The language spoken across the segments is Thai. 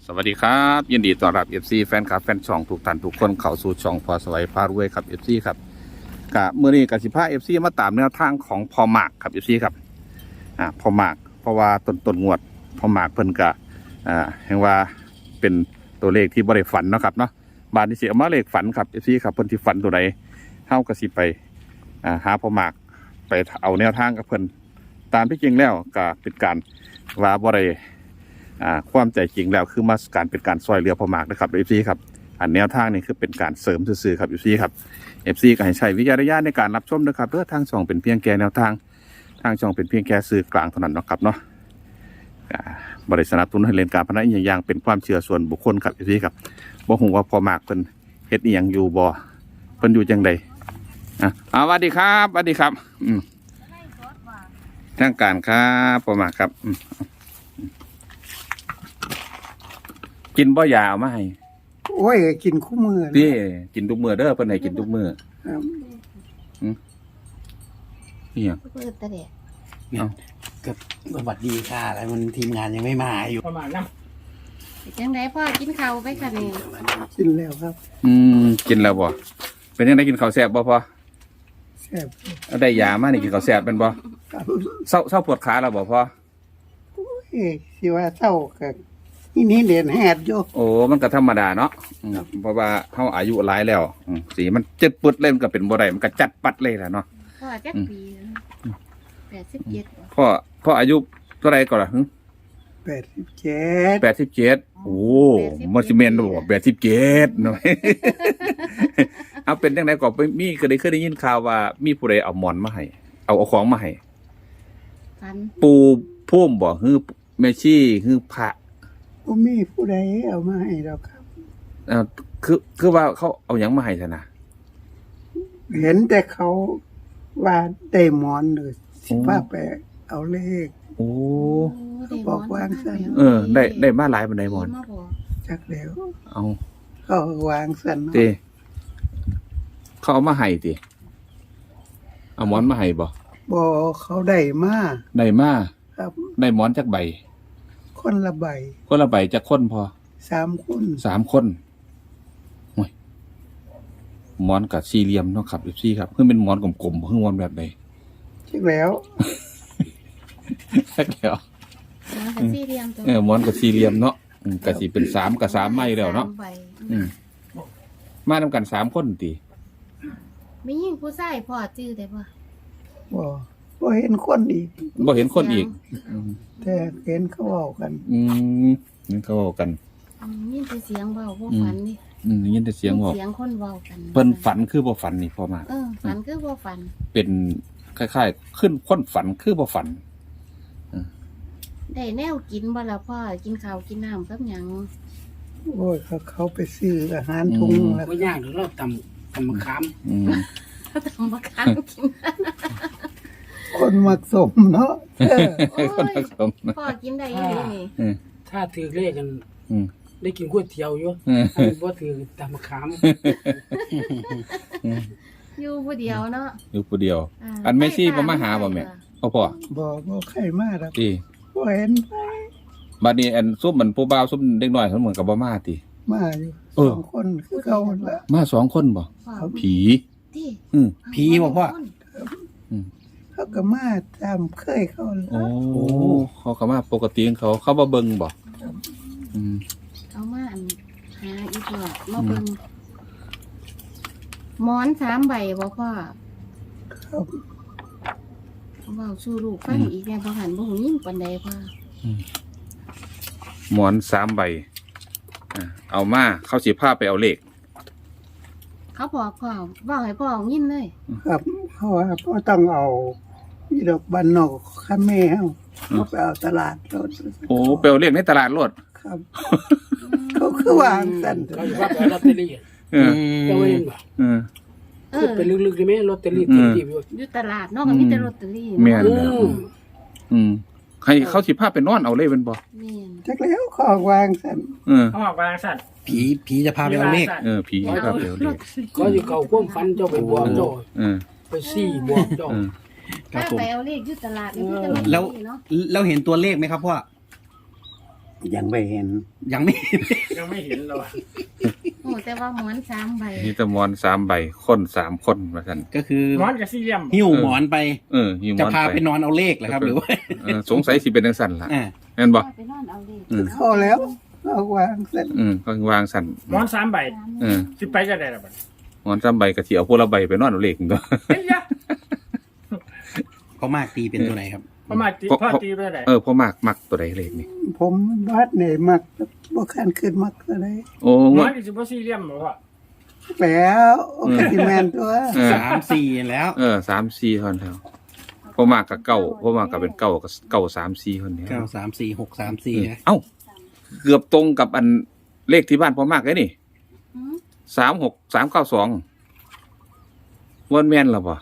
สวัสดีครับยินดีต้อนรับ FC แฟนคลับแฟนช่องทุกท่านทุกคนเข้าสู่ช่องพอสวัยพารวยครับ FC ครับกะมื้อนี้กสิพา FC มาตามแนวทางของพอหมากครับ FC ครับพอหมากเพราะว่าต้นงวดพอหมากเพิ่นกะเห็นว่าเป็นตัวเลขที่บ่ได้ฝันเนาะครับเนาะบาดนี้สิเอามาเลขฝันครับ FC ครับเพิ่นสิฝันตัวใดเฮาก็สิไปหาพอหมากไปเอาแนวทางกับเพิ่นตามที่จริงแล้วก็เป็นการว่าบ่ได้ความใจจริงแล้วคือมาการเป็นการซอยเรือพอหมากนะครับเอฟซีครับอันแนวทางนี้คือเป็นการเสริมซื่อๆครับเอฟซีครับเอฟซีก็ให้ใช้วิจารณญาณในการรับชมนะครับเพื่อทางช่องเป็นเพียงแค่แนวทางช่องเป็นเพียงแค่สื่อกลางเท่านั้นนะครับเนาะบริษัทสนับสนุนให้เล่นการพนันอย่างเป็นความเชื่อส่วนบุคคลครับเอฟซีครับบ่ฮู้ว่าพอหมากเพิ่นเฮ็ดอีหยังอยู่บ่เพิ่นอยู่จังใดสวัสดีครับสวัสดีครับทางการครับพอหมากครับกินบ่ยาเอามาให้โอ้ยกินคู่มือพี่กินทุกมื้อเด้อเพิ่นให้กินทุกมื้อนี่หยังเปิดตะเดะเนี่ยก็สวัสดีค่ะอะไรมันทีมงานยังไม่มาอยู่ประมาณนั้นจังไดพ่อกินข้าวไปค่ะนี่กินแล้วครับกินแล้วบ่เป็นยังไงกินข้าวแซ่บบ่พอแซ่บเอาได้ยามานี่กินข้าวแซ่บเป็นบ่เศร้าปวดขาแล้วบ่พอโอ้ยสิว่าเศร้าก็นี่เด่นแฮดอยู่โอ้มันก็ธรรมดาเนาะเพราะว่าเฮาอายุหลายแล้วสีมันเจ็ดปึดเลยมันก็เป็นบ่ได้มันก็จัดปัดเลยล่ะเนาะพ่อจักปี87 พ่ออายุเท่าไหร่ก่อนล่ะ87โอ้มันสิแม่นบ่87เนาะเอาเป็นจังได๋ก็มีก็ได้เคยได้ยินข่าวว่ามีผู้ใดเอาหมอนมาให้เอาของมาให้ปูพุ่มบ่ฮือแม่ชีฮือพระบ่มีผู้ใดเอามาให้ดอกครับคือว่าเขาเอาหยังมาให้ซะนะเห็นแต่เขาว่าได้หมอนหรือสิว่าไปเอาเลขโอ้เขาบอกวางซั่นได้มาหลายปานใดหมอนจักแล้วเอาเขาวางซั่นติเขาเอามาให้ติเอาหมอนมาให้บ่เขาได้มาครับได้หมอนจักใบคนละใบจักคนพอ3 คนโอ้ยหมอนกับสี่เหลี่ยมเนาะครับ14ครับคือเป็นหมอนกลมๆคือหมอนแบบใดใช่แล้วสักแล้วหมอนกับสี่เหลี่ยมเนาะก็สิเป็น3กับ3ไม้แล้วเนาะมานำกัน3คนติมีหญิงผู้ชายพ่อจื้อได้บ่บ่เห็นคนอีกแต่เห็นเขาเว้ากันนี่เขาเว้ากันยินแต่เสียงเว้าบ่ฝันนี่ยินแต่เสียงเว้าเสียงคนเว้ากันเพิ่นฝันคือบ่ฝันนี่พอมาฝันคือบ่ฝันเป็นคล้ายๆขึ้นคนฝันคือบ่ฝันได้แนวกินบ่ล่ะพ่อกินข้าวกินน้ำกับหยังโอ้ยเขาไปซื้ออาหารถุงแล้วบ่ยากเราตำมะขามตำมะขามกินคนมักสมเนาะคนมักสมพ่อกินได้อยู่นี่ถ้าถือเลขกันได้กินก๋วยเตี๋ยวอยู่บ่ถือตำมะขามอยู่ผู้เดียวเนาะอยู่ผู้เดียวอันแม่ชีบ่มาหาบ่แม่พ่อบ่ใครมาดอกบ่เห็นบัดนี้อันซุ่มมันผู้บ่าวซุ่มเด็กน้อยเพิ่นเหมือนกับบ่มาติมาอยู่2คนคือเขาล่ะมา2คนบ่ผีผีบ่พ่อเขาก็มาตามเคยเขาโอ้เขาก็มาปกติของเขาบ่เบิ่งบ่เอามาหาอีกหน่อยมาเบิ่งหมอน3ใบบ่พ่อครับเว้าสู่ลูกฟังอีกแน่บ่หันบ่ฮู้ยินปานใดพ่อหมอน3ใบเอามาเขาสิพาไปเอาเลขเขาบอกพ่อบอกให้พ่อยินเลยครับเพราะว่าพ่อต้องเอาอีดอกบ้านนอกคันแม่เฮาไปเอาตลาดรถโอ้ไปเอาเลขในตลาดรถครับเขาคือวางซั่นเขาว่าไปลอตเตอรี่จะเว้นบ่คือเป็นลึกๆได้มั้ยลอตเตอรี่ที่อยู่ตลาดเนาะก็มีแต่ลอตเตอรี่แม่นให้เขาสิพาไปนอนเอาเลยเป็นบ่จักแล้วขอวางซั่นเขาวางซั่นผีจะพาไปเอาเลขผีจะพาไปเอาเลขก็สิเก่าความฝันเจ้าไปบอกเจ้าไปซี่บอกเจ้าถ้าไปเอาเลขอยู่ตลาดนี่แล้วเห็นตัวเลขไหมครับพ่อยังไม่เห็นยังไม่ยังไม่เห็นเราโอ้แต่ว่าหมอน3ใบนี่ตะมอน3ใบคน3คนว่าซั่นก็คือหมอนกับสี่เหลี่ยมหิ้วหมอนไปหิวหมจะอนพาไปนอนเอาเลขเหรอครับหรือว่าสงสัยสิเป็นจังซั่นล่ะอ่าแม่นบ่ไปนอนเอาเลขเข้าแล้วเอาวางเสร็จก็วางซั่นหมอน3 ใบเออสิไปจะได้ละบัดหมอน3ใบก็สิเอาพวกละใบไปนอนเอาเลขตัวเฮ้ยยะเขามากตีเป็นตัวไหนครับประมาณตีพ่อตีไปได้พ่อมักตัวใดเลขนี่ผมวัดเนี่ยมักบ่คันขึ้นมักอะไรโอ้หมงอวน ดนี่สิบ่สี่เหลี่ยมบ่พ่อแล้วโอเคที่แมนตัว 3-4แล้ว 3-4คนเท่าพ่อมากกับเก้าพ่อมากกับเป็นเก้ากับเก้า3-4คนเนี้ย 9-3-4 6-3-4นะเอ้าเกือบตรงกับอันเลขที่บ้านพ่อมากเลยนี่อืม 36392วันแม่นหรอปะ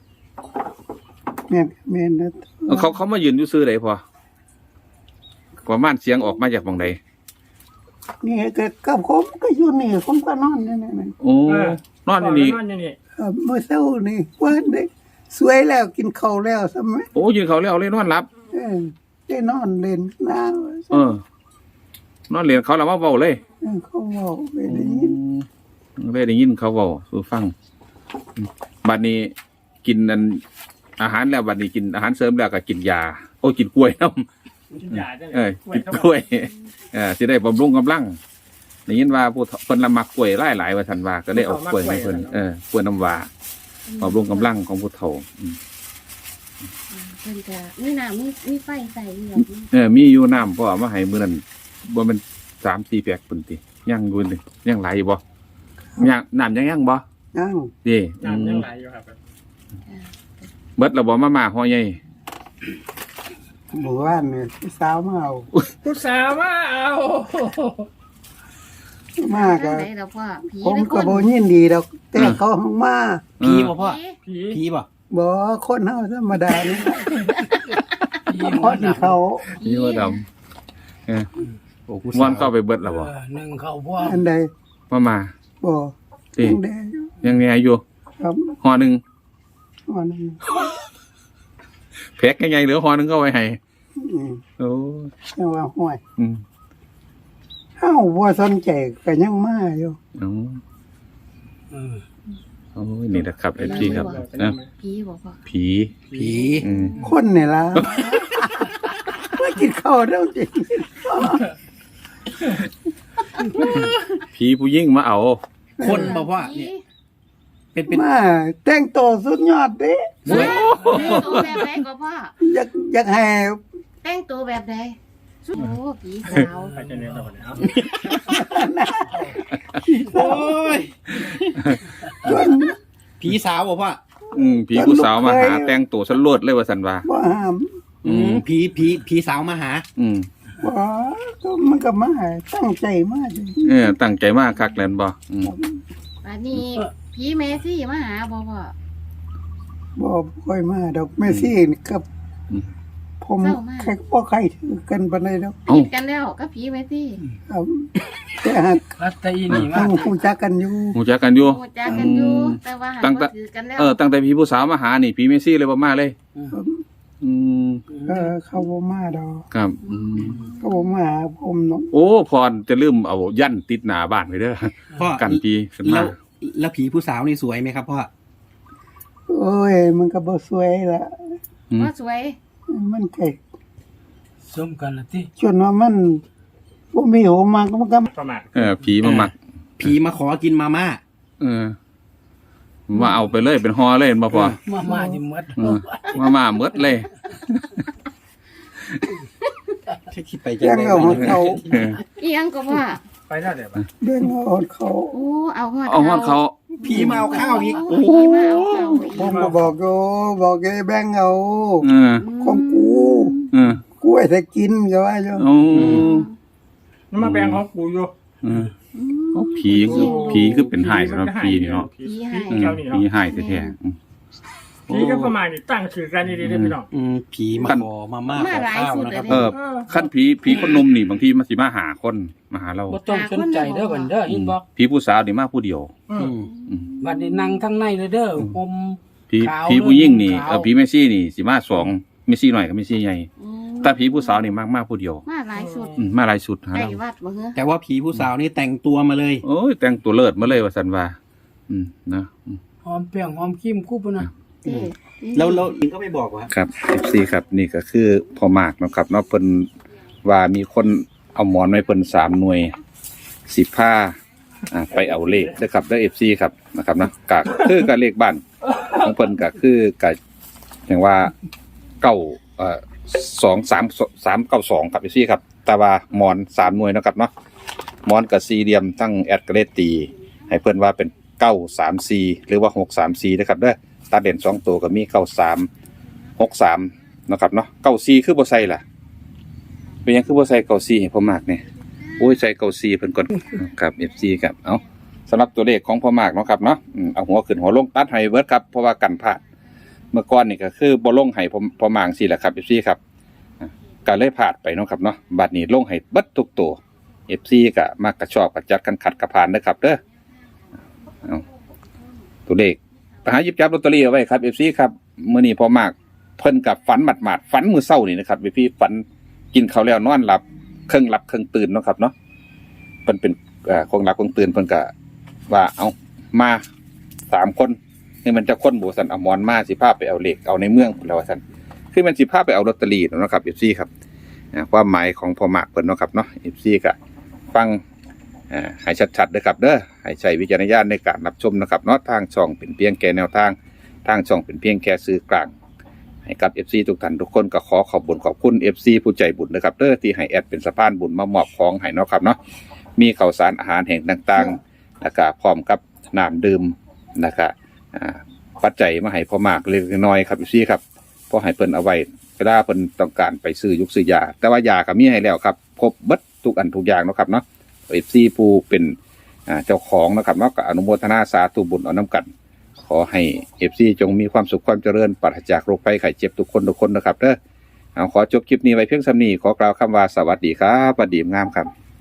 แมนนะเขามายืนอยู่ซื้อไหนพอประมาณเสียงออกมาจากบังใดนี่ก็กับผมก็อยู่นี่ผมก็นอนนี่นี่โอ้นอนอยู่นี่นอนอยู่นี่เมื่อเช้านี่ว่าได้สวยแล้วกินข้าวแล้วใช่ไหมโอ้ยืนเขาแล้วเลยนอนรับได้นอนเล่นน้ำนอนเรียนเขาแล้วมาเบาเลยเขาบอกไปได้ยินได้ยินเขาเบาสู่ฟังบัดนี้กินอันอาหารแล้วบัดนี้กินอาหารเสริมแล้วก็กินยาโอ้กินกล้วยน้ำกินยาจังกินกล้วยสิได้บำรุงกำลังได้ยินว่าผู้เพิ่นละมักกล้วยหลายๆว่าซั่นว่าก็ได้เอากล้วยให้เพิ่นกล้วยน้ำว้าบำรุงกำลังของผู้เฒ่าเพิ่นก็มีน้ำมีไฟใส่อยู่มีอยู่น้ำพ่อเอามาให้มื้อนั้นบ่แม่น3-4แพ็คพุ่นติยังอยู่นี่ยังไหลอยู่บ่ยังน้ำยังบ่นั่งเด้น้ำยังไหลอยู่ครับเบิดแล้วบ่มาห่อใหญ่หมู่บ้านเนี่ยสาวมาเอาผู้สาวมาเอามากจัอะงได๋ล่ะพ่อผีผมหรือคก็นบ่ยินดีดอกแต่เขาห้องมาผีบ่พ่อผีผีบ่บ่คนเฮาธรรมดานี่พอดเขานี่ว่าดำโอ้ผู้ม่วนสาวก็ไปเบิดแล้วบ่หนึ่งเขาพ่ออันใดมาบ่ติยังได้อยู่ยังไงอยู่ครับห่อหนึงวันนึงแพ็คใหญ่ๆเหลือห่อหนึงก็ไว้ให้อืมโอ้แต่ว่าห้วยอืมเฮาบ่สนใจก็ยังมาอยู่โอ้ยนี่นะครับ FG ครับนะผีบ่พ่อผีผีคนนี่ล่ะว่ากินข้าวแล้วจริงผีผู้ยิ่งมาเอาคนบ่พ่อผีเนี่ยเป็นมาแต่งตัวสุดยอดเด้แต่งตัวแบบใดก็พ่ออยากให้แต่งตัวแบบใดโอ้ผีสาวไปจะเนี่ยเราเนี่ยโอ้ยจนผีสาวบ่พ่อผีผู้สาวมาหาแต่งตัวสลวดเลยว่าสันว่าบ่ห้ามผีสาวมาหาบ่ก็มันก็มาตั้งใจมาจริงตั้งใจมากคักแลนบ่อันนี้ผีแม่ซี่มาหาบ่พ่อบ่ค่อยมาดอกแม่ซี่นี่กับ ผมเศร้ามากใครบ่ใครถือกันปานใดดอกผิดกันแล้วกับผีแม่ซี่ครับแต่หากรัตตีนี่มาต้องรู้จักกันอยู่หูจักกันอยู่โอ้จักกันอยู่แต่ว่าหาตั้งแต่บ่ถือกันแล้วตั้งแต่ผีผู้สาวมาหานี่ผีเมซี่เลยบ่มาเลยเขาบ่มาดอกครับเขาบ่มาหาผมเนาะโอ้พรจะลืมเอายันติดหน้าบ้านไปเด้อพ่อกันผีขึ้นแล้มาวแล้วผีผู้สาวนี่สวยไหมครับพ่อโอ้ยมันก็บ่สวยละว่าสวยมันก็สมกันละที่จนว่ามันบ่มีหัวมากมันก็ประมาณผีมามักผีมาขอกินมาม่ามาเอาไปเลยเป็นฮอเลยบ่พอมาจิมดมาเมดเลยที่ไปยังเอาของเขาอีหยังก็ว่าไปได้เดี๋ยวเดินเอาของเขาโอ้เอาฮอดเอาฮอดเขาผีมาเอาข้าวอีกโอ้ผีมาเอาข้าวอีกผมก็บอกอยู่บอกไอ้แบงค์เอาเออของกูเออกูให้แต่กินก็ว่าอยู่โอ้นี่มาแปลงของกูอยู่ผีคือเป็นหายสำหรับผีนี่เนาะผีให้ผีหายแท้ผีก็ประมาณนี้ตั้งชื่อกันดีๆพี่น้องผีมาขอมาม่าขอข้าวนะครับขั้นผีคนนมนี่บางทีมันสิมาหาคนมาหาเราบ่ต้องสนใจเด้อบันเด้ออินบ็อกผีผู้สาวนี่มาผู้เดียวบัดนี้นั่งทั้งในเลยเด้อผมผีผู้ยิ่งนี่ผีเมซี่นี่สิมา2เมซี่หน่อยกับเมซี่ใหญ่แต่ผีผู้สาวนี่มากผู้เดียวมาหหลายสุดมาหลายชุดหาใกล้แล้ววัดบ่เหรอแต่ว่าผีผู้สาวนี่แต่งตัวมาเลยโอ้ยแต่งตัวเลิศมาเลยว่าสันว่านะอืมหอมแป้งหอมครีมคู่ปะนะเด้อแล้วลิงก็ไม่บอกว่าครับ FC ครับนี่ก็คือพ่อมากเนาะครับเนาะเพิ่นว่ามีคนเอาหมอนไว้เพิ่น3หน่วย15ไปเอาเลขเด้อครับเด้อ FC ครับนะครับนะก็คือกับเลขบ้านของเพิ่นก็คือก็อย่างว่า23392ครับ FC ครับแต่ว่าหมอน3หน่วยเนาะครับเนาะหมอนกับสี่เหลี่ยมทั้งแอดก็เลยตีให้เพิ่นว่าเป็น934หรือว่า634นะครับเด้อตัดเด่น2ตัวก็มี9363นะครับเนาะ94คือบ่ใส่ล่ะเป็นหยังคือบ่ใส่94ให้พ่อมากเนี่ยโอ้ยใส่94เพิ่นก่อนครับ FC ครับเอาสำหรับตัวเลขของพ่อมากเนาะครับเนาะเอาหัวขึ้นหัวลงตัดให้เบิดครับเพราะว่ากันพลาดเมื่อก่อนนี่ก็คือบ่ลงให้พ่อมากสิแหละครับ FC ครับก็เลยพลาดไปเนาะครับเนาะบัดนี้ลงให้เบิดทุกตัว FC ก็มักกระชอบกระจัดกันขัดกระพานเด้อครับเด้อเอาตัวเลขไปหาหยิบจับลอตเตอรี่เอาไว้ครับ FC ครับมื้อนี้พ่อมากเพิ่นกับฝันหมาดๆฝันมื้อเช้านี่นะครับ FC ฝันกินข้าวแล้วนอนหลับครึ่งหลับครึ่งตื่นเนาะครับเนาะเพิ่นเป็นคงหลับคงตื่นเพิ่นก็ว่าเอามา3คนนี่มันจะคนบ่ซั่นเอาหมอนมาสิพาไปเอาเลขเอาในเมืองพุ่นแล้วว่าซั่นคือมันสิพาไปเอาลอตเตอรี่เนาะครับ FC ครับความหมายของพ่อมากเพิ่นเนาะครับเนาะ FC ก็ฟังให้ชัดๆเด้อครับเด้อให้ใช้วิจารณญาณในการรับชมนะครับเนาะทางช่องเป็นเพียงแค่แนวทางทางช่องเป็นเพียงแค่สื่อกลางให้กับ FC ทุกท่านทุกคนก็ขอขอบคุณ FC ผู้ใจบุญนะครับเด้อที่ให้แอดเป็นสะพานบุญมามอบของให้เนาะครับเนาะมีข้าวสารอาหารแห่งต่างๆแล้วก็พร้อมกับน้ำดื่มนะครับปัจจัยมาให้พ่อมากเล็กน้อยครับ FC ครับพอให้เพิ่นเอาไว้เวลาเพิ่นต้องการไปซื้อยุกซื้อยาแต่ว่ายาก็มีให้แล้วครับครบเบิดทุกอันทุกอย่างเนาะครับเนาะFC ผู้เป็นเจ้าของนะครับเนาะก็อนุโมทนาสาธุบุญเอาน้ำกันขอให้ FC จงมีความสุขความเจริญปราศจากโรคภัยไข้เจ็บทุกคนนะครับเด้อขอจบคลิปนี้ไว้เพียงส่ำนี้ขอกล่าวคำว่าสวัสดีครับสวัสดีงามครับ